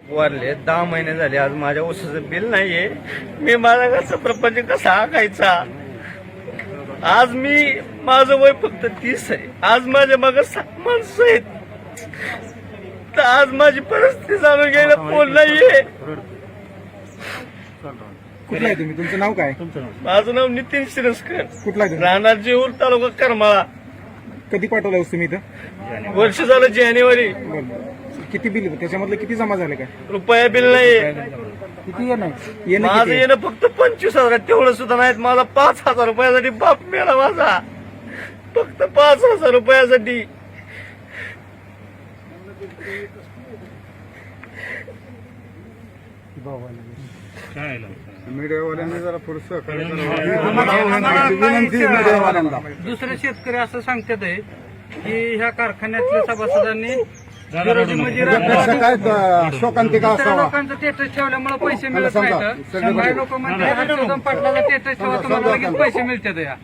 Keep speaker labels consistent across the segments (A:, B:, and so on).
A: वारले 10 महिने झाले. आज माझ्या ऊसाचं बिल नाहीये. मी माझा घरचा प्रपंच कसा आखायचा. आज माझं वय फक्त 30 आहे. आज माझ्या मागे 7 माणसं आहेत. तर आज माझी परिस्थिती जाणून घ्यायला कोण नाहीये.
B: कुठला आहे तुम्ही? तुमचं नाव काय?
A: माझं नाव नितीन शिरस्कर,
B: कुठला आहे तुम्ही?
A: राहणार जेऊर, तालुका करमाळा.
B: कधी पाठवला तुम्ही इथं?
A: वर्ष झालं जानेवारी.
B: बरं. किती बिल त्याच्यामधलं किती जमा झाले काय?
A: रुपया बिल नाहीये.
B: किती येणार?
A: माझं येणं फक्त 25,000. तेवढं सुद्धा नाहीत. मला 5,000 रुपयासाठी बाप मिळाला माझा. फक्त 5,000 रुपयासाठी.
B: मीडियावाल्यांनी जरा पुढचं
C: दुसरे शेतकरी असं सांगतात आहे की ह्या कारखान्यातल्या सभासदांनी
B: शोकांतिका
C: दुसऱ्या लोकांचं स्टेटस ठेवल्यामुळे पैसे मिळत नाहीत. काही लोक म्हणतात हर्षवर्धन पाटलाचा स्टेटस ठेवा तुम्हाला लगेच पैसे मिळतात. या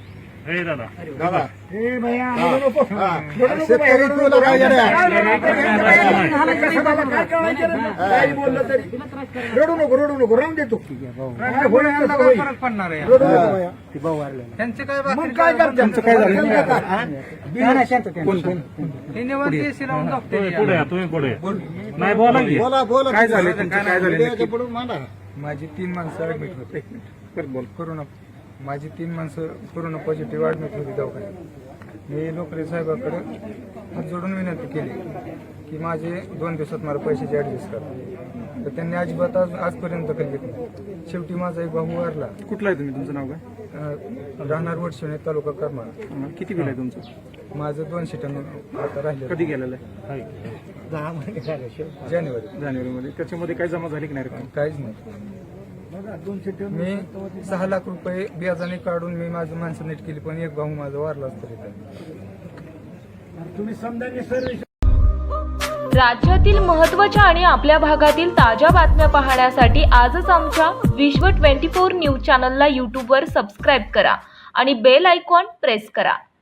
B: रडू नको राहून देतो.
C: काय फरक पडणार आहे? त्यांचे काय
B: त्यांचं काय झालं?
C: हे निवांत एसी लावून जगते.
B: बोला काय झालं? काय झालं?
D: माझी 3 माणसं ऍडमिट होते. कोरोना माझी 3 माणसं कोरोना पॉझिटिव्ह ऍडमिट होती दवाखान्यात. मी लोकरे साहेबाकडे हात जोडून विनंती केली की माझे 2 दिवसात मला पैशाचे ऍडजस्ट करा. तर त्यांनी अजिबात आजपर्यंत काही घेतलं नाही. शेवटी माझा एक भाऊ वारला.
B: कुठला आहे तुम्ही? तुमचं नाव काय?
D: राहणार वडशिवणे, तालुका करमाळा.
B: किती बिल आहे तुमचं?
D: माझं 200 टन आता राहिले.
B: कधी गेलेलं आहे?
D: जानेवारीमध्ये.
B: त्याच्यामध्ये काय जमा झाली की नाही रक्कम?
D: काहीच नाही. मी 6 लाख रुपये व्याजाने काढून मी माझं माणसं नीट केली, पण एक भाऊ माझा वारलाच तरी.
E: राज्यातील महत्त्वाच्या आणि आपल्या भागातील ताज्या बातम्या पाहण्यासाठी आजच आमच्या विश्व 24 न्यूज चॅनलला यूट्यूबवर सबस्क्राईब करा आणि बेल आयकॉन प्रेस करा.